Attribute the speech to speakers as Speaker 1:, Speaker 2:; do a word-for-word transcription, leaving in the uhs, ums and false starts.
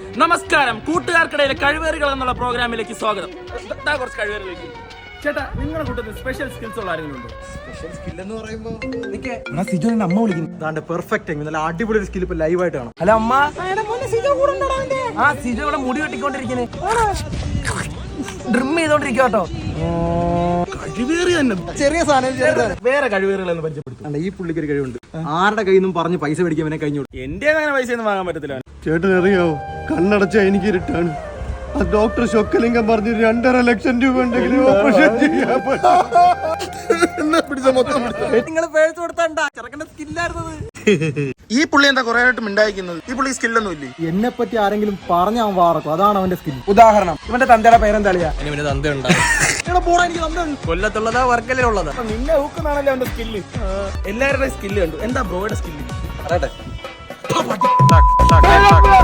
Speaker 1: നമസ്കാരം, കൂട്ടുകാർക്കിടയിലെ കഴിവേറുകൾ എന്നുള്ള പ്രോഗ്രാമിലേക്ക് സ്വാഗതം. കുറച്ച് കഴിവേറിലേക്ക് ചേട്ടാ, നിങ്ങളുടെ കൂട്ടത്തിൽ സ്പെഷ്യൽ സ്കിൽസ് ഉള്ള ആരെങ്കിലും ഉണ്ടോ?
Speaker 2: സ്പെഷ്യൽ സ്കിൽ എന്ന് പറയുമ്പോൾ സിജോ അമ്മ വിളിക്കുന്നു. പെർഫെക്റ്റ് നല്ല അടിപൊളി ഒരു സ്കിൽ ഇപ്പൊ ലൈവ് ആയിട്ട് കാണാം.
Speaker 3: ഹലോ അമ്മ. ആ സിജോ ഇവിടെ മുടി വെട്ടിക്കൊണ്ടിരിക്കുന്നേ, ഡ്രിം ചെയ്തോണ്ടിരിക്കുക കേട്ടോ.
Speaker 1: കഴിവേറി തന്നെ
Speaker 2: ചെറിയ സാധനം.
Speaker 1: വേറെ കഴിവേറുകളെന്ന് പരിചയപ്പെടുത്തും.
Speaker 2: ഈ പുള്ളിക്ക് ഒരു കഴിവുണ്ട്, ആരുടെ കയ്യിൽ നിന്നും പറഞ്ഞ് പൈസ മേടിക്കാൻ കഴിഞ്ഞു.
Speaker 1: എന്റെ അങ്ങനെ പൈസ ഒന്നും വാങ്ങാൻ പറ്റത്തില്ല.
Speaker 4: ചേട്ടൻ അറിയാവോ, കണ്ണടച്ച എനിക്ക് ഇരുട്ടാണ്. ആ ഡോക്ടർ ഷൊക്കലിംഗം പറഞ്ഞു രണ്ടര ലക്ഷം രൂപ ഉണ്ടെങ്കിലും ഓപ്പറേഷൻ ചെയ്യാൻ
Speaker 3: നിങ്ങൾ പേഴ്സ് കൊടുത്താണ്ടാ ചെറുക്കന്റെ സ്കില്ലായിരുന്നത്.
Speaker 1: ഈ പുള്ളി എന്താ കുറെ ആയിട്ട് മിണ്ടായിരിക്കുന്നത്? ഈ പുള്ളി സ്കില്ലൊന്നും ഇല്ലേ?
Speaker 2: എന്നെ പറ്റി ആരെങ്കിലും പറഞ്ഞ അവൻ വാറക്കും, അതാണ് അവന്റെ സ്കിൽ.
Speaker 3: ഉദാഹരണം, ഇവന്റെ തന്തയുടെ പേരെന്താളിയാ?
Speaker 1: കൊല്ലത്തുള്ളതാ വർക്കലുള്ളതാ? നിന്നെ ഊക്കുന്നാണല്ലോ അവന്റെ സ്കില്ല്. എല്ലാവരുടെയും സ്കില്ല് കണ്ടു. എന്താ ബ്രോയുടെ സ്കില്ല്?